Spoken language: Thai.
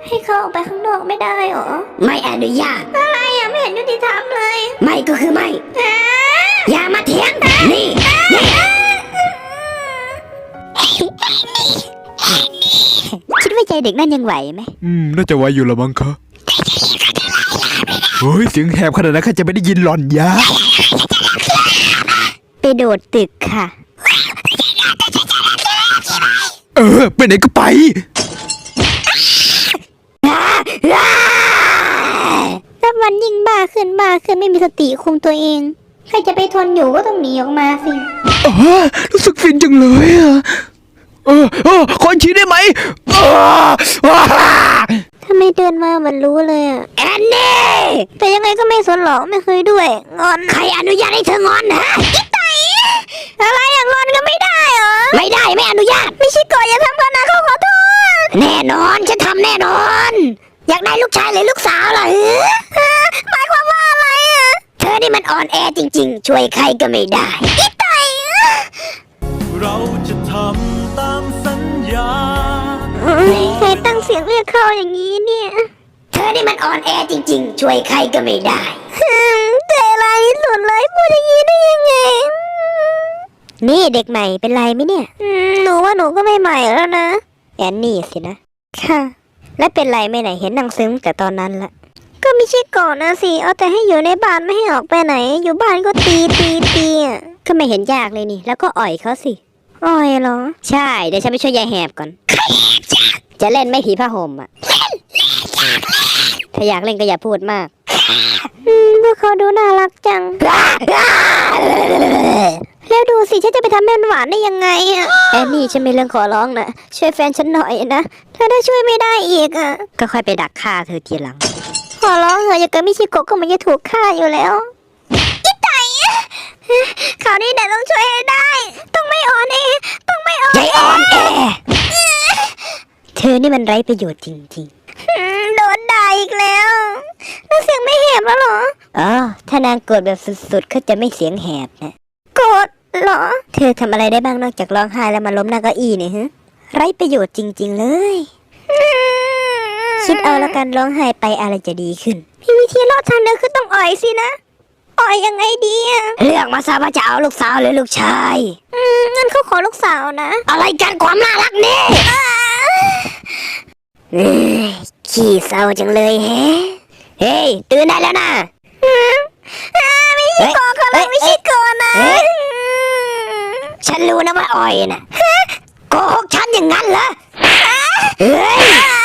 ให้เขาออกไปข้างนอกไม่ได้หรอไม่อนุญาตอะไรอ่ะไม่เห็นยุติธรรมเลยไม่ก็คือไม่อย่ามาเถียงนี่คิดว่าใจเด็กนั่นยังไหวไหมน่าจะไหวอยู่ละมั้งคะเฮ้ยเสียงแหบขนาดนั้นข้าจะไม่ได้ยินหล่อนยาไปโดดตึกค่ะไปไหนก็ไปถ้ามันยิ่งบ้าขึ้นไม่มีสติคุมตัวเองใครจะไปทนอยู่ก็ต้องหนีออกมาสิรู้สึกฟินจังเลยขอชี้ได้ไหมทำไมเดินมาเหมือนรู้เลยอ่ะแอนนี่แต่ยังไงก็ไม่สนหรอกไม่เคยด้วยงอนใครอนุญาตให้เธองอนฮะกิ๊กไตอะไรอย่างงอนก็ไม่ได้เหรอไม่ได้ไม่อนุญาตไม่ใช่ก่อนอย่าทำกันนะเขาขอโทษแน่นอนฉันทำแน่นอนอยากได้ลูกชายหรือลูกสาวล่ะหมายความว่าอะไรอ่ะเธอนี่มันอ่อนแอจริงๆช่วยใครก็ไม่ได้กิ๊กไตเราจะทำตามสัญญาใครตั้งเสียงเรียกเขาอย่างนี้เนี่ยเธอนี่มันอ่อนแอจริงๆช่วยใครก็ไม่ได้ใจร้ายที่สุดเลยพูดอย่างนี้ได้ยังไงนี่เด็กใหม่เป็นไรไหมเนี่ยหนูว่าหนูก็ไม่ใหม่แล้วนะแอนนี่สินะค่ะและเป็นไรไม่ไหนเห็นนางซึ้งแต่ตอนนั้นละก็ไม่ใช่ก่อนนะสิเอาแต่ให้อยู่ในบ้านไม่ให้ออกไปไหนอยู่บ้านก็ตีอ่ะก็ไม่เห็นยากเลยนี่แล้วก็อ่อยเขาสิอ่อยเหรอใช่เดี๋ยวฉันไปช่วยยายแหบก่อนจะเล่นไม่ผีผ้าห่มอ่ะถ้าอยากเล่นก็อย่าพูดมากพวกเขาดูน่ารักจังแล้วดูสิฉันจะไปทำแม่หวานได้ยังไงอะแอนนี่ฉันมีเรื่องขอร้องนะช่วยแฟนฉันหน่อยนะถ้าช่วยไม่ได้อีกอะก็ค่อยไปดักฆ่าเธอทีหลังขอร้องเถอะอย่าเกิดมิชิโกะก็มันจะถูกฆ่าอยู่แล้วกิ๊กไตข่าวนี้เดี๋ยวต้องช่วยให้ได้ต้องไม่อ่อนแอต้องไม่อ่อนแอเธอนี่มันไร้ประโยชน์จริงๆโดนด่าอีกแล้วเสียงไม่แหบแล้วเหรอถ้านางโกรธแบบสุดๆก็จะไม่เสียงแหบนะโกรธเหรอเธอทำอะไรได้บ้างนอกจากร้องไห้แล้วมาล้มหน้าเก้าอี้เนี่ยฮะไร้ประโยชน์จริงๆเลยคิดเอาแล้วกันร้องไห้ไปอะไรจะดีขึ้นมีวิธีรอดทางเดียวคือต้องอ่อยสินะอ่อยยังไงดีอะเลือกมาซะว่าจะเอาลูกสาวหรือลูกชายงั้นเขาขอลูกสาวนะอะไรกันความน่ารักนี่ขี้เศร้าจังเลยเฮ้ยตื่นได้แล้วนะไม่ใช่ก่อนเขาเลยไม่ใช่ก่อนนะฉันรู้นะว่าอ่อยนะโกหกฉันอย่างนั้นเหรอเฮ้ย